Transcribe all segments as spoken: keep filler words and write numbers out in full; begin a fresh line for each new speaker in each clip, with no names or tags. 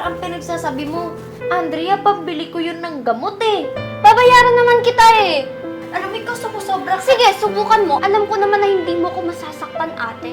ang pinagsasabi mo. Andrea, pambili ko yun ng gamot eh.
Babayaran naman kita eh.
Alam mo, ikaw sumusobra.
Sige, subukan mo. Alam ko naman na hindi mo ko masasaktan, ate.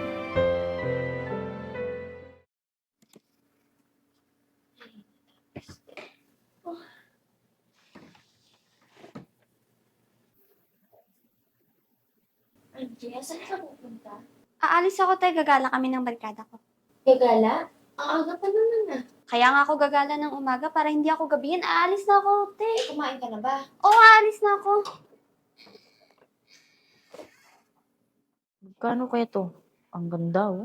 Andrea, saan ka pupunta?
Aalis ako, te. Gagala kami ng barkada ko.
Gagala? Ang aga pa naman ah.
Kaya nga ako gagala ng umaga para hindi ako gabihin. Aalis na ako, te.
Eh, kumain ka na ba?
Oo, aalis na ako.
Magkano kaya to? Ang ganda, oh.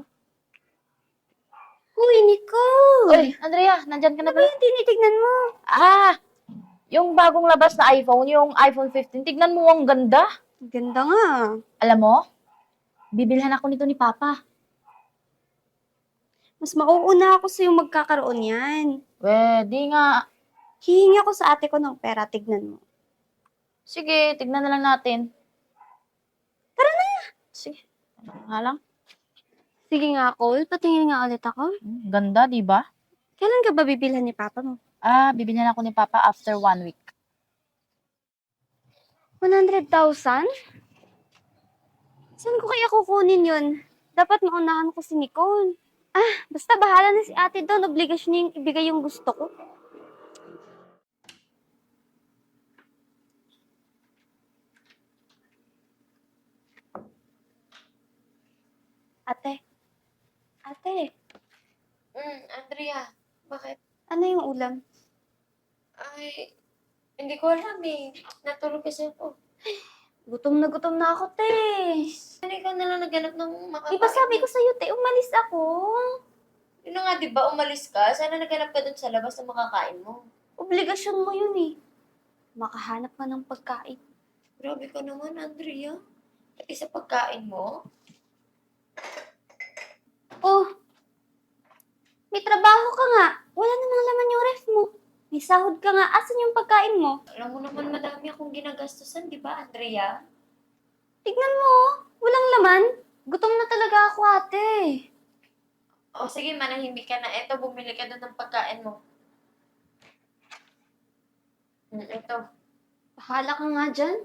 Uy, Nicole!
Uy, Andrea, nandyan ka na
Ano ba
pala?
yung tinitignan mo?
Ah! Yung bagong labas na iPhone, yung iPhone fifteen. Tignan mo, ang ganda.
Ganda nga.
Alam mo, bibilhan ako nito ni Papa.
Mas mauuna ako sa'yo magkakaroon yan.
Pwede nga.
Hihingi ako sa ate ko ng pera, tignan mo.
Sige, tignan na lang natin.
Tara na!
Sige, ano nga lang.
Sige nga, Cole. Patingin nga ulit ako.
Hmm, ganda, di ba?
Kailan ka ba bibilhan ni Papa mo?
Ah, bibilhan ako ni Papa after one week.
one hundred thousand? Saan ko kaya kukunin yun? Dapat maunahan ko si Nicole. Ah, basta bahala na si ate doon. Obligasyon niya yung ibigay yung gusto ko. Ate. Ate,
Hmm, Andrea, bakit?
ano yung ulam?
Ay, hindi ko alam eh. Natulog kasi ako.
Gutom na gutom na ako, te.
Ano ikaw na lang naghanap ng makakain?
Di ba sabi ko sa'yo, te, umalis ako.
Yun na nga, di ba, umalis ka? Sana naghanap ka dun sa labas na makakain mo.
Obligasyon mo yun eh. Makahanap ka ng pagkain.
Grabe ka naman, Andrea. Pati sa pagkain mo.
Oh, may trabaho ka nga. Wala namang laman yung ref mo. May sahod ka nga. Asan yung pagkain mo?
Alam mo naman, madami akong ginagastusan, di ba, Andrea?
Tignan mo, oh. Walang laman. Gutom na talaga ako, ate.
O sige, manahimik ka na. Eto, bumili ka dun ng pagkain mo. Hmm, eto.
Bahala ka nga dyan.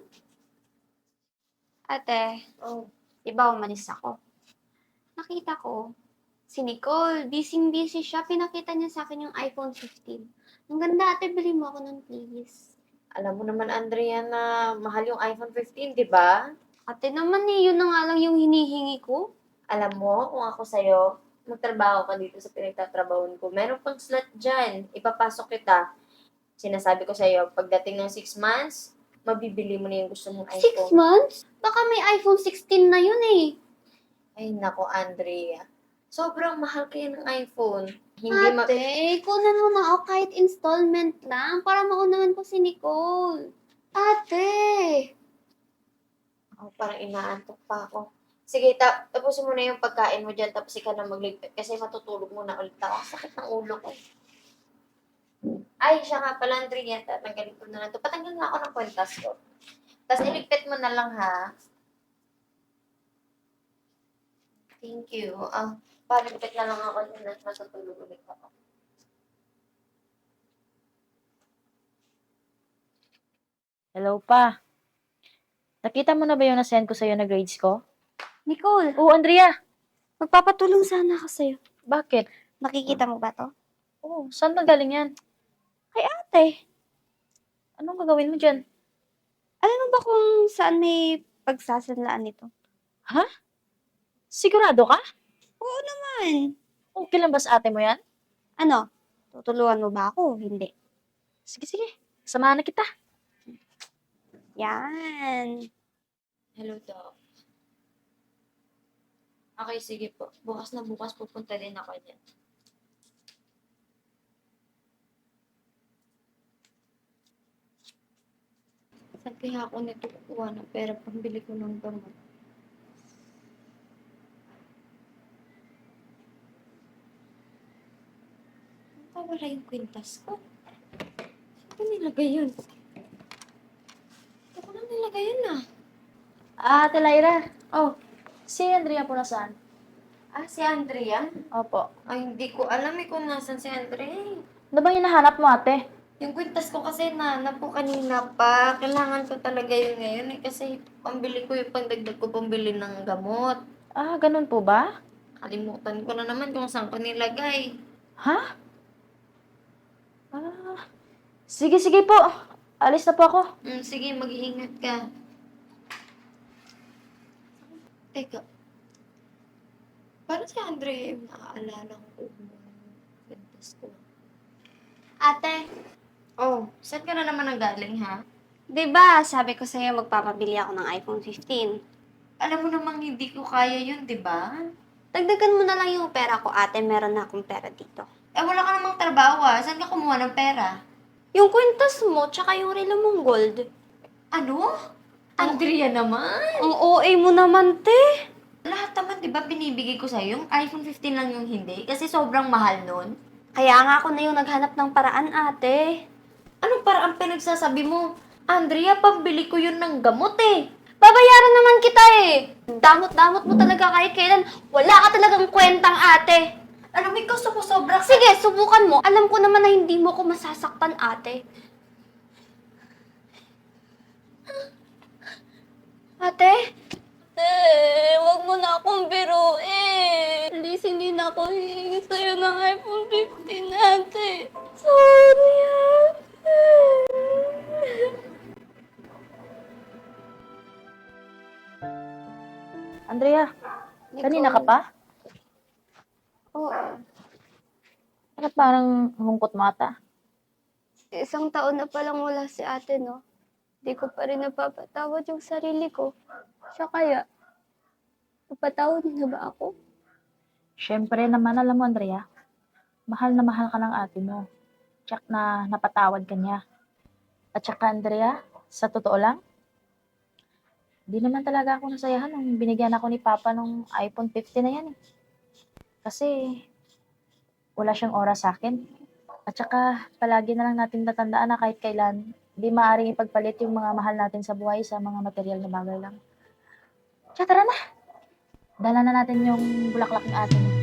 Ate,
Oh,
di ba umalis ako? Nakita ko, si Nicole, busy-busy siya. Pinakita niya sa akin yung iPhone fifteen. Ang ganda, ate, bili mo ako nun, please.
alam mo naman, Andrea, na mahal yung iPhone fifteen, di ba?
Ate naman eh, yun na nga lang yung hinihingi ko.
Alam mo, kung ako sa'yo, magtrabaho ka dito sa pinagtatrabahoan ko. Meron pang slot dyan. Ipapasok kita. Sinasabi ko sa'yo, pagdating ng six months, mabibili mo na yung gusto mong
Six
iPhone.
months? Baka may iPhone sixteen na yun eh.
Ay, nako, Andrea. Sobrang mahal kaya ng iPhone. Hindi ma-
Ate, kunan mo na ako kahit installment lang para maunahan ko si Nicole. Ate!
Oh, parang inaantok pa ako. Sige, ta- tapusin mo na yung pagkain mo dyan, tapos ikaw na magligpit. Kasi matutulog muna ulit ako. Sakit ng ulo ko. Ay, siya nga pala, Andrea. Tatanggalin ko na lang ito. Patanggal na ako ng kwentas ko. Tapos iligpit mo na lang, ha? Thank you. Ah, paligpit na lang ako yun at matutulog ulit ako.
Hello, Pa. Nakita mo na ba yung nasend ko sa'yo na grades ko?
Nicole,
Oo, Andrea.
magpapatulong sana ako sa'yo.
Bakit?
Nakikita mo ba to?
Oo, saan ba galing yan?
Kay ate.
Anong gagawin mo dyan?
Alam mo ba kung saan may pagsasanlaan nito?
Ha? Sigurado ka?
Oo naman.
Okay lang ba sa ate mo yan?
Ano? Tutulungan mo ba ako? Hindi.
Sige, sige. Samahan na kita.
Yan.
Hello, Doc. Okay, sige po. Bukas na bukas pupunta din ako dyan. Saan kaya ako nito kukuha ng pera pambili ko ng gamot? Saan wala yung kwintas ko? Saan ko nilagay yun? Saan ko na nilagay yun ah?
Ah, Ate Lyra.
Oh,
Si Andrea po nasaan?
Ah, si Andrea?
Opo.
Ay, hindi ko alam eh kung nasan si Andrea eh.
Ano bang hinahanap mo, ate?
Yung kwintas ko kasi nahanap ko kanina pa. Kailangan ko talaga yun ngayon eh. Kasi pambili ko yung pandagdag ko pambili ng gamot.
Ah, ganun po ba?
Kalimutan ko na naman kung saan ko nilagay.
Ha? Ah, sige, sige po. Alis na po ako.
Mm, sige, mag-iingat ka. Teka. Parang si Andrea yung naaalala ko yung kwintas ko.
Ate,
Oh, saan ka na naman nanggaling ha?
di ba sabi ko sa'yo magpapabili ako ng iPhone fifteen?
Alam mo namang hindi ko kaya yun, di ba?
Dagdagan mo na lang yung pera ko, ate. Meron na akong pera dito.
Eh, wala ka namang trabaho ah. Saan ka kumuha ng pera?
Yung kwintas mo, tsaka yung relo mong gold.
Ano? Andrea naman?
Ang O A mo naman, te.
Lahat naman, di ba, binibigay ko sa'yo? Yung iPhone fifteen lang yung hindi. Kasi sobrang mahal nun.
Kaya nga ako na yung naghanap ng paraan, ate.
Anong parang pinagsasabi mo? Andrea, pambili ko yun ng gamot eh.
Babayaran naman kita eh. Damot-damot mo talaga kahit kailan. Wala ka talagang kwentang, ate.
Alam mo, ikaw sumusobra ka.
Sige, subukan mo. Alam ko naman na hindi mo ko masasaktan, ate. Ate? Eh, wag mo na akong biruin. Please, hindi na ako hihingi sa'yo ng iPhone fifteen, ate. Sorry, ate.
Andrea, kanina ka pa?
Oo.
Bakit parang lungkot mo ata?
Isang taon na palang wala si ate, no? Di ko pa rin napapatawad yung sarili ko. Siya kaya, napatawad niya na ba ako?
Siyempre naman, alam mo, Andrea, mahal na mahal ka ng ate mo. Tsak na napatawad ka niya. At saka, Andrea, sa totoo lang, di naman talaga ako nasayahan nung binigyan ako ni Papa ng iPhone fifteen na yan eh. Kasi, wala siyang oras sa akin. At saka, palagi na lang natin tatandaan na kahit kailan, di maaaring ipagpalit yung mga mahal natin sa buhay sa mga material na bagay lang. Kaya tara na! Dala na natin yung bulaklak ng atin.